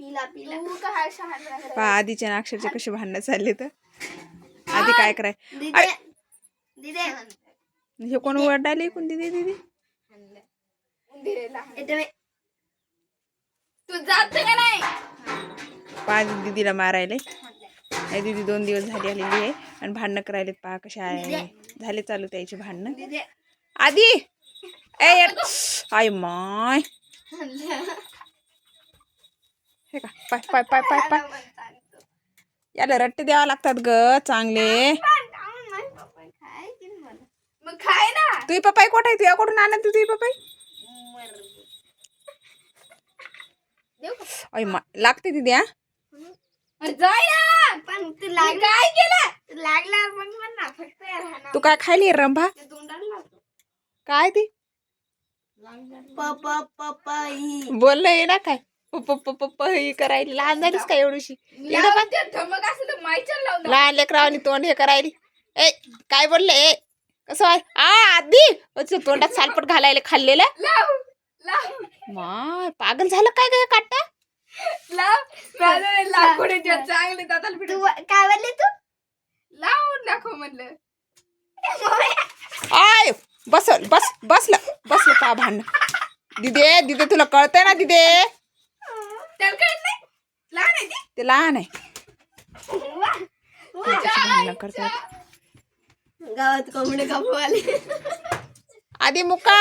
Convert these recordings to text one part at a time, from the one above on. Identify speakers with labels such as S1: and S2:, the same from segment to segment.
S1: पहा आधीच्या अक्षरचे कसे भांडणं चालले तर आधी काय कराय हे कोण वरडाले कोण दिदी दिदी
S2: तू जात का नाही
S1: पाच दीदीला मारायले दीदी 2 दिवस झाली आलेली आहे आणि भांडणं करायलेत पहा कशा आहे झाले चालू त्याचे भांडणं आधी ए आय माय हे का पाय पाय पाय पाय पाय याला रट्टे द्यावा लागतात ग चांगले
S2: मग खाय ना
S1: तुझी पप्पाई कोठ आहे तुझ्याकडून आणत तुझी पप्पाई अय मा लागते तिथे हा
S2: जाय ना पण तू काय केलं लागला मग ना फक्त
S1: तू काय खायली रंभा काय ती बोललं ना काय ही करायली लहान झालीस का एवढीशी लहान लेकरावानी तोंड हे करायली ए काय बोलले ए कसं आहे आधी तोंडात सालपट घालायला खाल्लेलं माय पागल झालं काय ग काटा
S2: चांगले काय बोलले तू लावून दाखव म्हणलं
S1: आय बसल बसलं का भांडण दिदे दिदे तुला कळतंय ना दिदे
S2: त्याला कळत नाही लहान आहे ती
S1: ते लहान आहे भांडणं करतात
S2: गावात कोंबडे कापवाले
S1: आधी मुका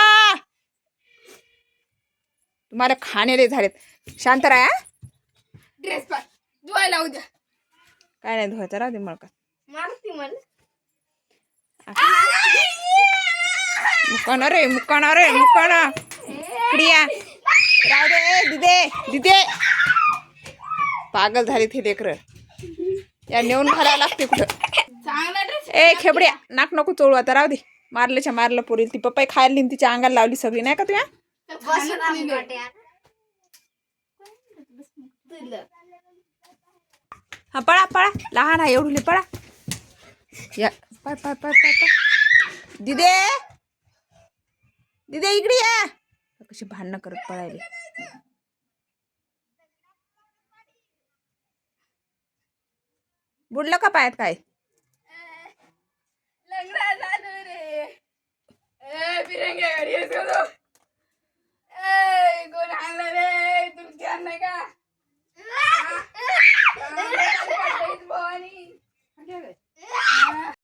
S1: तुम्हाला खाणेले झालेत शांत राहा
S2: ड्रेस पाय धुवायला उद्या
S1: काय नाही धुवायचं राहू दे मळका
S2: मारती म्हण
S1: मुकाना रे क्रिया राहू दे दिदे दिदे पागल झाली थे लेकर या नेऊन घालायला लागते कुठं
S2: चांगला ड्रेस
S1: ए खेबड्या नाक नको चोळू आता राहू दे मारलं पोरील ती पप्पाई खायला नेऊन तिच्या अंगाला लावली सगळी नाही का तुया हा पळा लहान आहे एवढी पळा या पाय पाय पाय पाय पाय दिदे दिदे इकडे या कशी भांडणं करत पळायले बुडलं का पायात काय